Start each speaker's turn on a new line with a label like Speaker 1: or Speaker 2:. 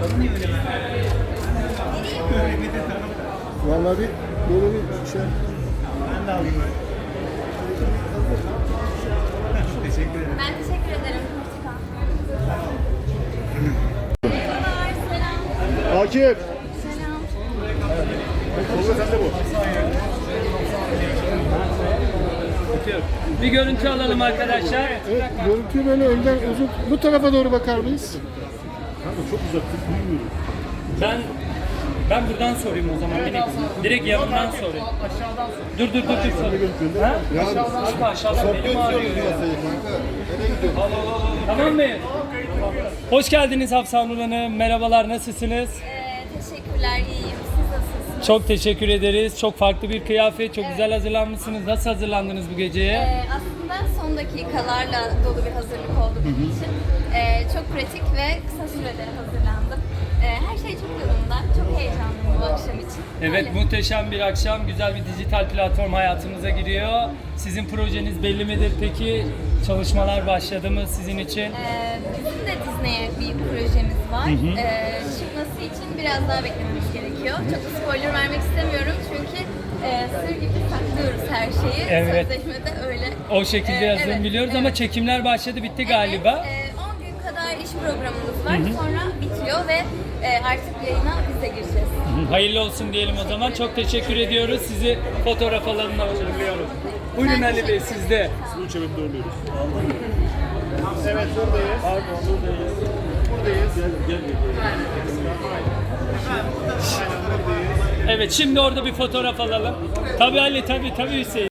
Speaker 1: Vallahi bir böyle bir şey.
Speaker 2: Ben de alayım. Teşekkür ederim.
Speaker 3: Ben teşekkür ederim. Merhabalar, selam.
Speaker 1: Akif.
Speaker 3: Selam.
Speaker 1: Tolga sen de bu.
Speaker 4: Bir görüntü alalım arkadaşlar.
Speaker 1: Evet, görüntüyü böyle önden uzun bu tarafa doğru bakar mıyız?
Speaker 5: Çok uzak duymuyorum.
Speaker 4: Ben buradan sorayım o zaman. Direkt yanından sorayım. Dur sor. Ha? Kanka aşağıdan benim ağrıyor ya. Tamam mı? Hoş geldiniz Hafsa Nur Hanım. Merhabalar, nasılsınız?
Speaker 3: Teşekkürler, iyiyim. Siz nasılsınız?
Speaker 4: Çok teşekkür ederiz. Çok farklı bir kıyafet, çok güzel hazırlanmışsınız. Nasıl hazırlandınız bu geceye?
Speaker 3: Aslında son dakikalarla dolu bir hazırlık oldu benim için. Çok pratik ve kısa sürede hazırlandım. Her şey çok yolunda. Çok heyecanlıyım bu akşam için.
Speaker 4: Evet,
Speaker 3: Öyle.
Speaker 4: muhteşem bir akşam. Güzel bir dijital platform hayatımıza giriyor. Sizin projeniz belli midir peki? Çalışmalar başladı mı sizin için?
Speaker 3: Bizim de Disney'e bir projemiz var. Çıkması için biraz daha beklememiz gerekiyor. Çok da spoiler vermek istemiyorum çünkü sır gibi saklıyoruz her şeyi.
Speaker 4: Evet.
Speaker 3: Sözleşmede öyle.
Speaker 4: O şekilde yazılım
Speaker 3: Evet,
Speaker 4: biliyoruz ama
Speaker 3: evet.
Speaker 4: çekimler başladı, bitti galiba.
Speaker 3: Evet, 10 gün kadar iş programımız var. Sonra bitiyor ve artık yayına biz de gireceğiz.
Speaker 4: Hayırlı olsun diyelim o zaman. Çok teşekkür ediyoruz. Sizi fotoğraf alanına uğurluyorum. Buyurun
Speaker 3: Ben
Speaker 4: Ali Bey,
Speaker 3: teşekkür
Speaker 4: sizde.
Speaker 5: Üç evet doğruluyoruz.
Speaker 1: Evet buradayız.
Speaker 5: Pardon buradayız.
Speaker 1: Buradayız.
Speaker 5: Gel.
Speaker 4: Evet, şimdi orada bir fotoğraf alalım. Tabii Ali, tabii Hüseyin.